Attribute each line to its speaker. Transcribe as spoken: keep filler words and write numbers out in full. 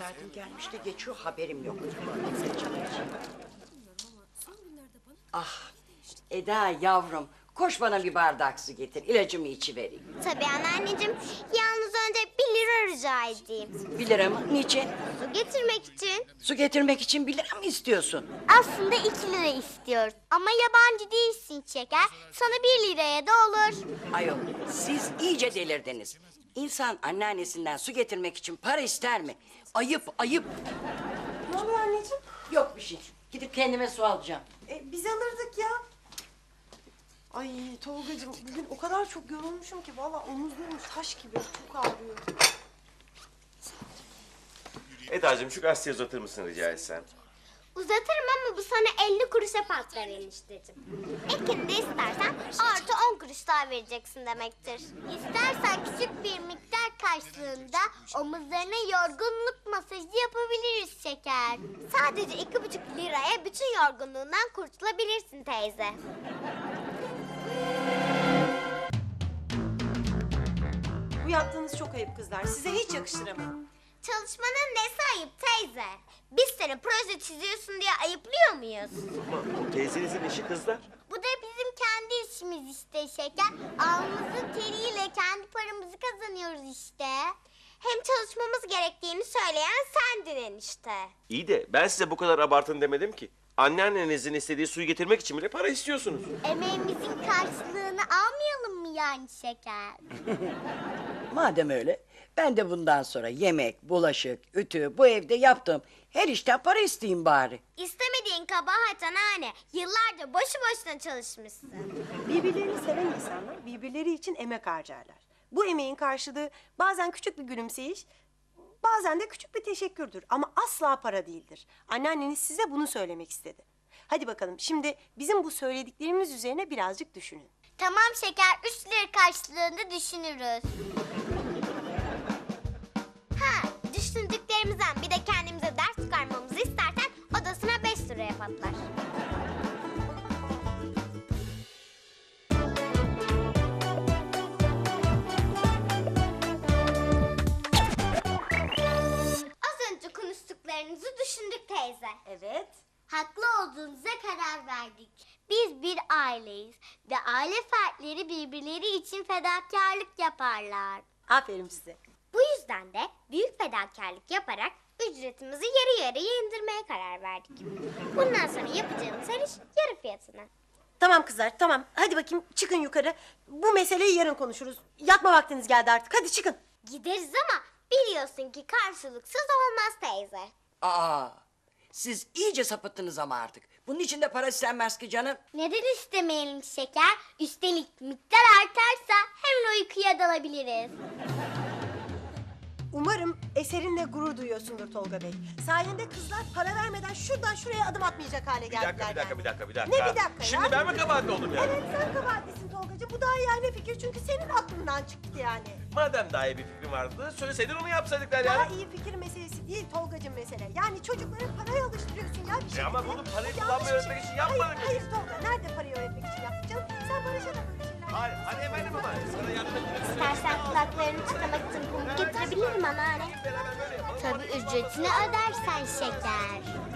Speaker 1: saatim gelmiş de geçiyor, haberim yok. Ah, Eda yavrum, koş bana bir bardak su getir, ilacımı içivereyim.
Speaker 2: Tabii anneanneciğim. Yalnız önce bir lira rica edeyim.
Speaker 1: Bir lira mı? Niçin?
Speaker 2: Su getirmek için.
Speaker 1: Su getirmek için bir lira mı istiyorsun?
Speaker 2: Aslında iki lira istiyoruz. Ama yabancı değilsin şeker. Sana bir liraya da olur.
Speaker 1: Ayol, siz iyice delirdiniz. İnsan anneannesinden su getirmek için para ister mi? Ayıp, ayıp.
Speaker 3: Ne oluyor anneciğim?
Speaker 1: Yok bir şey. Gidip kendime su alacağım.
Speaker 3: E, biz alırdık ya. Ay Tolgacığım bugün o kadar çok yorulmuşum ki vallahi omuzlarım taş gibi çok ağrıyor.
Speaker 4: Eda'cığım şu gazeteyi uzatır mısın rica etsem?
Speaker 2: Uzatırım ama bu sana elli kuruşa patlar enişteciğim. Ekini de istersen artı on kuruş daha vereceksin demektir. İstersen küçük bir miktar karşılığında omuzlarına yorgunluk masajı yapabiliriz şeker. Sadece iki buçuk liraya bütün yorgunluğundan kurtulabilirsin teyze.
Speaker 3: Bu yaptığınız çok ayıp kızlar. Size hiç yakıştıramadım.
Speaker 2: Çalışmanın nesi ayıp teyze? Biz seni proje çiziyorsun diye ayıplıyor muyuz?
Speaker 4: Ama o teyzenizin işi kızlar.
Speaker 2: Bu da bizim kendi işimiz işte şeker. Alnımızın teriyle kendi paramızı kazanıyoruz işte. Hem çalışmamız gerektiğini söyleyen sendin enişte.
Speaker 4: İyi de ben size bu kadar abartın demedim ki. Anneannenizin istediği suyu getirmek için bile para istiyorsunuz.
Speaker 2: Emeğimizin karşılığını almayalım mı yani şeker?
Speaker 1: Madem öyle, ben de bundan sonra yemek, bulaşık, ütü, bu evde yaptığım her işten para isteyeyim bari.
Speaker 2: İstemediğin kabahat anneanne. Yıllarca boşu boşuna çalışmışsın.
Speaker 3: Birbirlerini seven insanlar birbirleri için emek harcarlar. Bu emeğin karşılığı bazen küçük bir gülümseyiş, bazen de küçük bir teşekkürdür. Ama asla para değildir. Anneanneniz size bunu söylemek istedi. Hadi bakalım şimdi bizim bu söylediklerimiz üzerine birazcık düşünün.
Speaker 2: Tamam şeker, üç lira karşılığında düşünürüz. Ha, düşündüklerimizden bir de kendimize ders çıkarmamızı istersen odasına beş liraya patlar. Az önce konuştuklarınızı düşündük teyze.
Speaker 3: Evet.
Speaker 2: Haklı olduğunuza karar verdik. Biz bir aileyiz ve aile fertleri birbirleri için fedakarlık yaparlar.
Speaker 3: Aferin size.
Speaker 2: Bu yüzden de büyük fedakarlık yaparak ücretimizi yarı yarıya indirmeye karar verdik. Bundan sonra yapacağımız her iş yarı fiyatına.
Speaker 3: Tamam kızlar tamam. Hadi bakayım çıkın yukarı. Bu meseleyi yarın konuşuruz. Yatma vaktiniz geldi artık. Hadi çıkın.
Speaker 2: Gideriz ama biliyorsun ki karşılıksız olmaz teyze.
Speaker 1: Aa, siz iyice sapıttınız ama artık. Bunun için de para istenmez ki canım.
Speaker 2: Neden istemeyelim şeker? Üstelik miktar artarsa hemen uykuya dalabiliriz.
Speaker 3: Umarım eserinle gurur duyuyorsundur Tolga Bey. Sayende kızlar para vermeden şuradan şuraya adım atmayacak hale
Speaker 4: Bir
Speaker 3: geldiler.
Speaker 4: dakika, bir dakika,
Speaker 3: yani.
Speaker 4: bir dakika, bir dakika.
Speaker 3: Ne bir dakika ya?
Speaker 4: Şimdi ben mi kabahatli oldum yani?
Speaker 3: Evet sen kabahatlisin Tolgacığım. Bu daha yani fikir çünkü senin aklından çıktı yani.
Speaker 4: Madem daha iyi bir fikrim vardı, söyleseydin onu yapsaydıklar
Speaker 3: Daha
Speaker 4: yani.
Speaker 3: iyi fikir meselesi değil Tolgacığım mesele. Yani çocukları paraya alıştırıyorsun ya bir şey.
Speaker 4: E ama bunu parayı
Speaker 3: Yanlış
Speaker 4: kullanmayı
Speaker 3: bir
Speaker 4: öğretmek için yapmadık
Speaker 3: Hayır,
Speaker 4: biz.
Speaker 3: hayır Tolga. Nerede parayı öğretmek için yaptın canım? Sen Barış'a da böyle şeyler.
Speaker 4: Hayır, hadi efendim ama sana yardım etmek
Speaker 2: İstersen kulaklarını tıkamak için pamuk getirebilirim anneanne.
Speaker 4: Beraber böyle yapalım.
Speaker 2: Tabii ücretini ödersen şeker.